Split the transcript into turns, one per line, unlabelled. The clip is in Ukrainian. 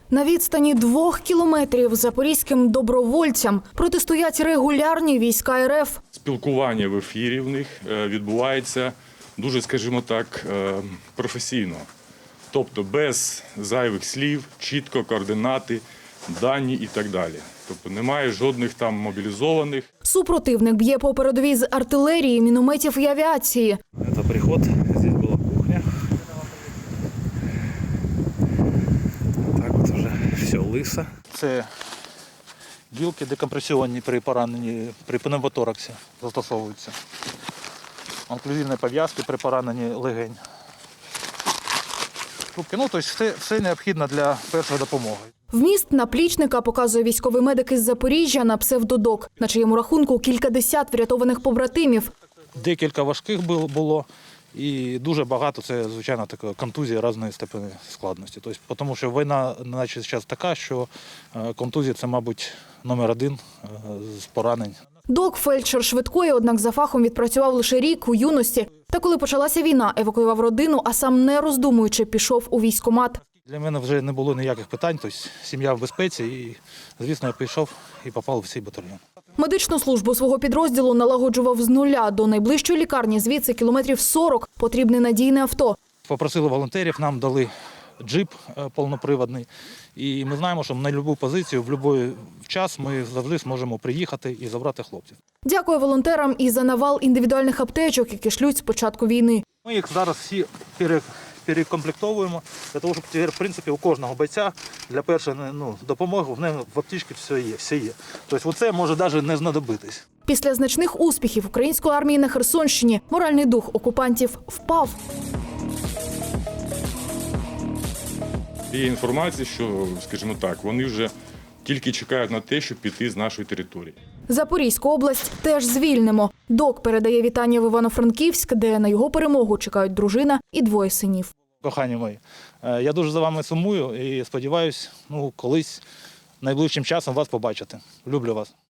На відстані 2 кілометрів запорізьким добровольцям протистоять регулярні війська РФ.
Спілкування в ефірі в них відбувається дуже, скажімо так, професійно. Тобто без зайвих слів, чітко координати, дані і так далі. Тобто немає жодних там мобілізованих.
Супротивник б'є по передовій з артилерії, мінометів і авіації.
Це приход, здесь була кухня. Так от вже все лисо. Це гілки декомпресіонні при пораненні, при пневмотораксі застосовуються. Онклюзивні пов'язки при пораненні легень. Тобто все необхідне для першої допомоги.
Вміст наплічника показує військовий медик із Запоріжжя на псевдодок, на чиєму рахунку кількадесят врятованих побратимів.
Декілька важких було і дуже багато, це, звичайно, така контузія різної степені складності. Тобто, тому що війна наче зараз така, що контузія – це, мабуть, номер один з поранень.
Док – фельдшер швидкої, однак за фахом відпрацював лише рік у юності. Та коли почалася війна, евакуював родину, а сам, не роздумуючи, пішов у військкомат.
Для мене вже не було ніяких питань, тобто сім'я в безпеці і, звісно, я пішов і попав в цей батальйон.
Медичну службу свого підрозділу налагоджував з нуля. До найближчої лікарні звідси кілометрів 40, потрібне надійне авто.
Попросили волонтерів, нам дали джип повноприводний. І ми знаємо, що на будь-яку позицію, в будь-який час ми завжди зможемо приїхати і забрати хлопців.
Дякую волонтерам і за навал індивідуальних аптечок, які шлють з початку війни.
Ми їх зараз всі перекомплектовуємо, для того, щоб тепер, в принципі, у кожного бойця для першої допомоги в аптечці все є. Тобто це може навіть не знадобитись.
Після значних успіхів української армії на Херсонщині моральний дух окупантів впав.
Є інформація, що, скажімо так, вони вже тільки чекають на те, щоб піти з нашої території.
Запорізьку область теж звільнимо. Док передає вітання в Івано-Франківськ, де на його перемогу чекають дружина і 2 синів.
Кохані мої, я дуже за вами сумую і сподіваюся, колись найближчим часом вас побачити. Люблю вас.